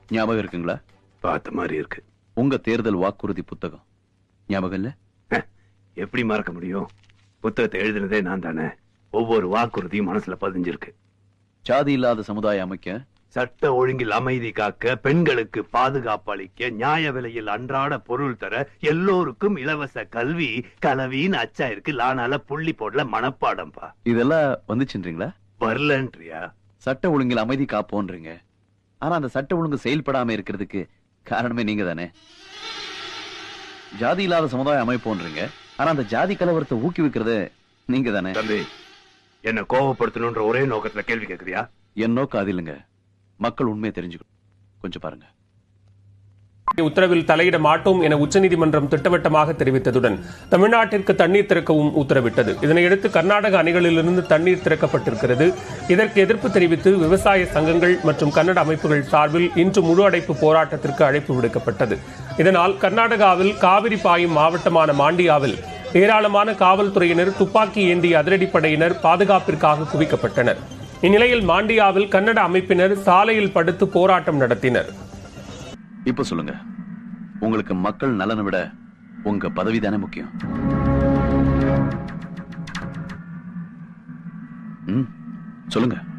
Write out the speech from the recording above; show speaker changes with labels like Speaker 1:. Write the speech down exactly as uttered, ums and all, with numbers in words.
Speaker 1: ஞாபகம் இருக்குங்களா?
Speaker 2: பார்த்த மாதிரி இருக்கு.
Speaker 1: உங்க தேர்தல் வாக்குறுதி புத்தகம் ஞாபகம் இல்ல?
Speaker 2: எப்படி மறக்க முடியும்? புத்தகத்தை எழுதினதே நான் தானே. ஒவ்வொரு வாக்குறுதியும் மனசுல பதிஞ்சிருக்கு.
Speaker 1: சாதி இல்லாத சமுதாயம் அமைக்க,
Speaker 2: சட்ட ஒழுங்கில் அமைதி காக்க, பெண்களுக்கு பாதுகாப்பு அளிக்க, நியாய விலையில் அன்றாட பொருள் தர, எல்லோருக்கும் இலவச கல்வி, கலவின்னு அச்சா இருக்கு. லானால புள்ளி போடல மனப்பாடம்பா.
Speaker 1: இதெல்லாம் வந்துச்சுன்றீங்களா?
Speaker 2: வரலன்றியா?
Speaker 1: சட்ட ஒழுங்கில் அமைதி காப்போன்றீங்க. ஆனா அந்த சட்ட ஒழுங்கு செயல்படாம இருக்கிறதுக்கு காரணமே நீங்க தானே. ஜாதி இல்லாத சமுதாயம் அமைப்போன்றீங்க. ஆனா அந்த ஜாதி கலவரத்தை ஊக்குவிக்கிறது நீங்க தானே.
Speaker 2: தம்பி, என்ன கோபப்படுத்தணும்ன்ற ஒரே நோக்கத்துல கேள்வி கேக்குறியா?
Speaker 1: என் நோக்கம் அது இல்லைங்க. மக்கள் உண்மையை தெரிஞ்சுக்கணும். கொஞ்சம் பாருங்க.
Speaker 3: உத்தரவில் தலையிட மாட்டோம் என உச்சநீதிமன்றம் திட்டவட்டமாக தெரிவித்ததுடன் தமிழ்நாட்டிற்கு தண்ணீர் திறக்கவும் உத்தரவிட்டது. இதனையடுத்து கர்நாடக அணைகளிலிருந்து தண்ணீர் திறக்கப்பட்டிருக்கிறது. இதற்கு எதிர்ப்பு தெரிவித்து விவசாய சங்கங்கள் மற்றும் கன்னட அமைப்புகள் சார்பில் இன்று முழு அடைப்பு போராட்டத்திற்கு அழைப்பு விடுக்கப்பட்டது. இதனால் கர்நாடகாவில் காவிரி பாயும் மாவட்டமான மாண்டியாவில் ஏராளமான காவல்துறையினர், துப்பாக்கி ஏந்திய அதிரடிப்படையினர் பாதுகாப்பிற்காக குவிக்கப்பட்டனர். இந்நிலையில் மாண்டியாவில் கன்னட அமைப்பினர் சாலையில் படுத்து போராட்டம் நடத்தினர்.
Speaker 1: இப்ப சொல்லுங்க, உங்களுக்கு மக்கள் நலனை விட உங்க பதவி தானே முக்கியம்? ம், சொல்லுங்க.